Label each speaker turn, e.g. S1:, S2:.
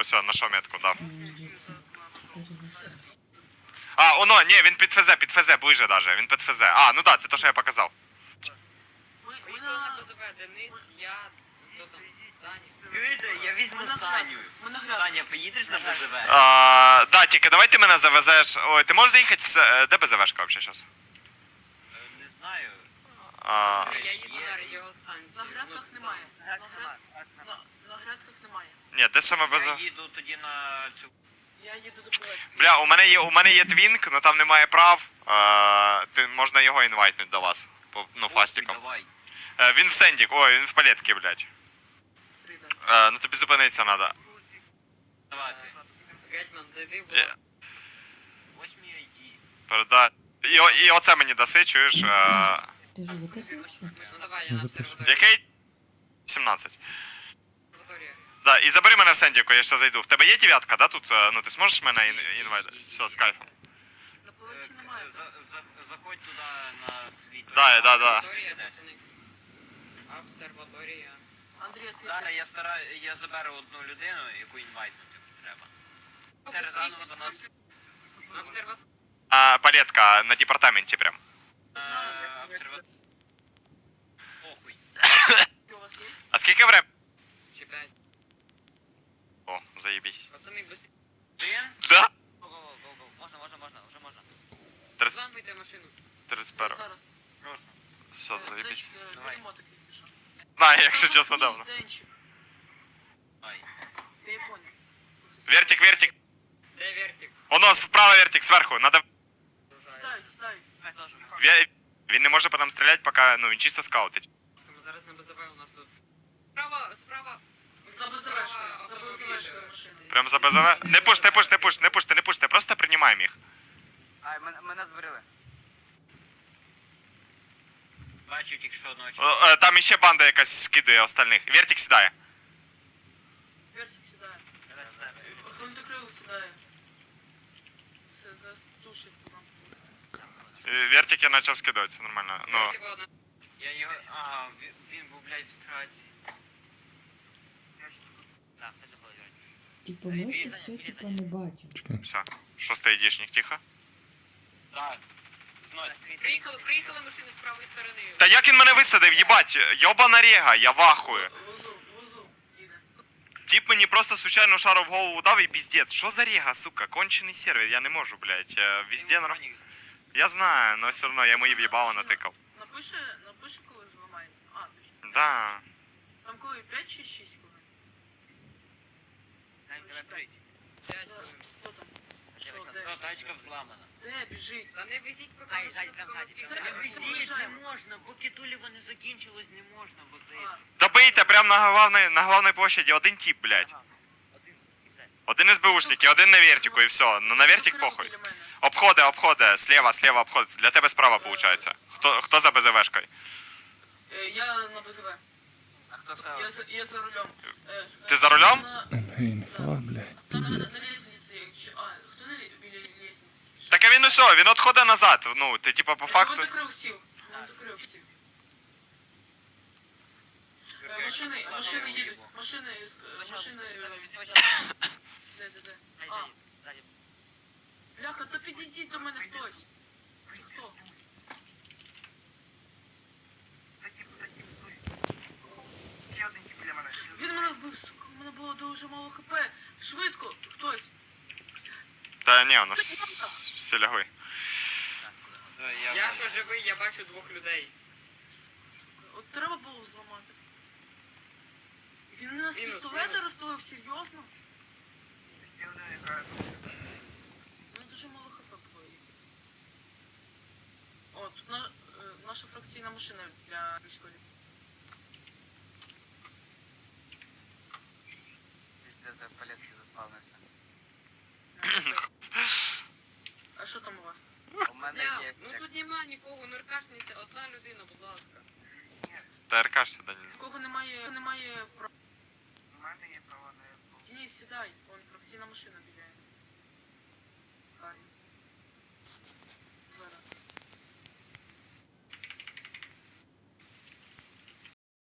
S1: ось, нашов метку, дав. А, оно, ні, він під ФЗ, ближе даже, він під ФЗ. А, ну да, це то, що я показав.
S2: Поїхали на БЗВ, Денис, я, хто там, Даня.
S3: Чуєте, я візьму Саню. Саня, поїдеш на БЗВ?
S1: Да, тільки давай ти мене завезеш. Ой, ти можеш заїхати в... Де БЗВшка взагалі зараз?
S3: Не знаю.
S2: Я їду на радіостанцію.
S4: На грядках немає. На грядках немає.
S1: Ні, де саме БЗВ?
S3: Я їду тоді на цю...
S4: Я їду до проекту.
S1: Бля, у мене є твінк, но там немає прав. Можна його інвайтнути до вас. Ну, фастиком.
S3: Давай.
S1: Він в сендік, ой, він в палетці, блядь. Ну тобі зупинитися треба.
S3: Давайте.
S2: Гетьман, зайди, будь ласка.
S3: Ось мій ID.
S1: Передай. І оце мені даси, чуєш?
S5: Ти вже записуєш?
S2: Ну давай, я на обсерваторію.
S1: Який? 17.
S2: Обсерваторія.
S1: Да, і забери мене в сендіку, я ще зайду. В тебе є дев'ятка, да, тут? Ну, ти зможеш мене інвайтити? Все, з кайфом.
S4: На полосі немає.
S3: Заходь туди на свій...
S1: Да.
S2: Обсерваторія, пацани. Обсерваторія.
S4: Андрій, ти...
S3: Зараз я заберу одну людину, яку інвайтнути треба. Зараз заново до нас...
S2: Обсерваторія.
S1: Палетка на департаменті прям.
S3: Похуй.
S4: У вас є?
S1: А скільки время?
S2: Чи 5.
S1: О, заебись.
S2: Пацани, быстрее.
S3: Один?
S1: Да?
S3: Го-го-го. Можна, вже можна.
S2: Зламуйте машину.
S1: 31.
S4: Зараз.
S3: Прошу.
S1: Все, заебись.
S3: Давай.
S4: Беремо таке, якщо що.
S1: Знаю, якщо чесно, давно.
S3: Давай.
S4: Я і понял.
S1: Вертик.
S2: Де вертик?
S1: Воно, вправо вертик, зверху. Надо...
S4: Сідай.
S1: Він не може по нам стріляти, поки, ну, він чисто скаутить.
S2: Ми зараз на БЗВ у нас тут. Справа.
S4: За БЗВшкою машини.
S1: Прям за БЗВ. Не пуште, просто приймаємо їх.
S3: Ай, мене зберили. Бачу тільки що одного
S1: Там іще банда якась скидує остальних. Вертик сідає.
S4: Вертик сідає. Гвинтокрил сідає. Все, зараз тушить нам.
S1: Вертик я почав скидувати, все нормально. Ну,
S3: Я його... Ага, він був, блядь, в страті. Так, ти заходиш.
S5: Типа ми це все типа не бачимо.
S1: все. Шостий айдішник, тихо.
S3: Так.
S2: Приїхали машини з правої сторони.
S1: Та як він мене висадив, їбать, йобана рега, я вахую.
S4: Вузу їде.
S1: Тип мені просто случайно шару в голову дав і піздець. Що за рега, сука, кончений сервер, я не можу, блядь. Везде норм... Я знаю, но все одно я мої в'їбало натикав.
S4: Напиши, коли зламається. А, точно.
S1: Да.
S4: Там коли 5 чи 6 коли?
S3: Давай прийти.
S4: Хто там? Що, де?
S3: Тачка взламана.
S4: Де, біжить?
S2: Та не везіть, поки
S3: Ззаді,
S2: машину
S3: там
S2: комусь
S3: ззаді.
S2: треба.
S4: Все,
S3: Не
S4: приїжджаємо.
S3: можна, поки Тулєва не закінчилось, не можна, бо це...
S4: А,
S1: Добийте прямо на главній площаді один тип, блядь.
S3: Один і все.
S1: Один СБУшник і один на вертику, і все. Ну на вертик похуй.
S4: біля мене.
S1: Обходи, слева обходи. Для тебе справа, виходить. Хто за БЗВшкою?
S4: Я на БЗВ.
S3: А хто став?
S4: Я за рулем.
S1: Ти за рулем?
S5: Інфа, блядь,
S4: Там на
S5: піздець.
S4: лестниці. А, хто біля лестниці?
S1: Так а він усе, він відходить назад. Ну, ти типа по факту.
S4: Гвинтокрил сів. Машини їдуть. Машини. Де. А, бляха, то підійдіть до мене хтось. Хто? Він мене вбив, сука, у мене було дуже мало хп. Швидко, хтось.
S1: Та ні, у нас всі лягли.
S2: Я що живий, я бачу двох людей.
S4: От треба було зламати. Він мене з
S2: Мінус,
S4: пістолета
S2: мінус.
S4: розстрілив, серйозно? У мене дуже мало хп було. О, тут наша фракційна машина для військових.
S3: Пиздец, в палетки заспавнився.
S4: А що там у вас?
S3: У мене
S2: Бля,
S3: є...
S2: ну тут нема нікого, нуркашниця, одна людина, будь ласка.
S1: ТРК ж сюди не
S4: З кого немає права?
S3: У мене є право на...
S4: Денис, сідай, вон фракційна машина біля. Гарні.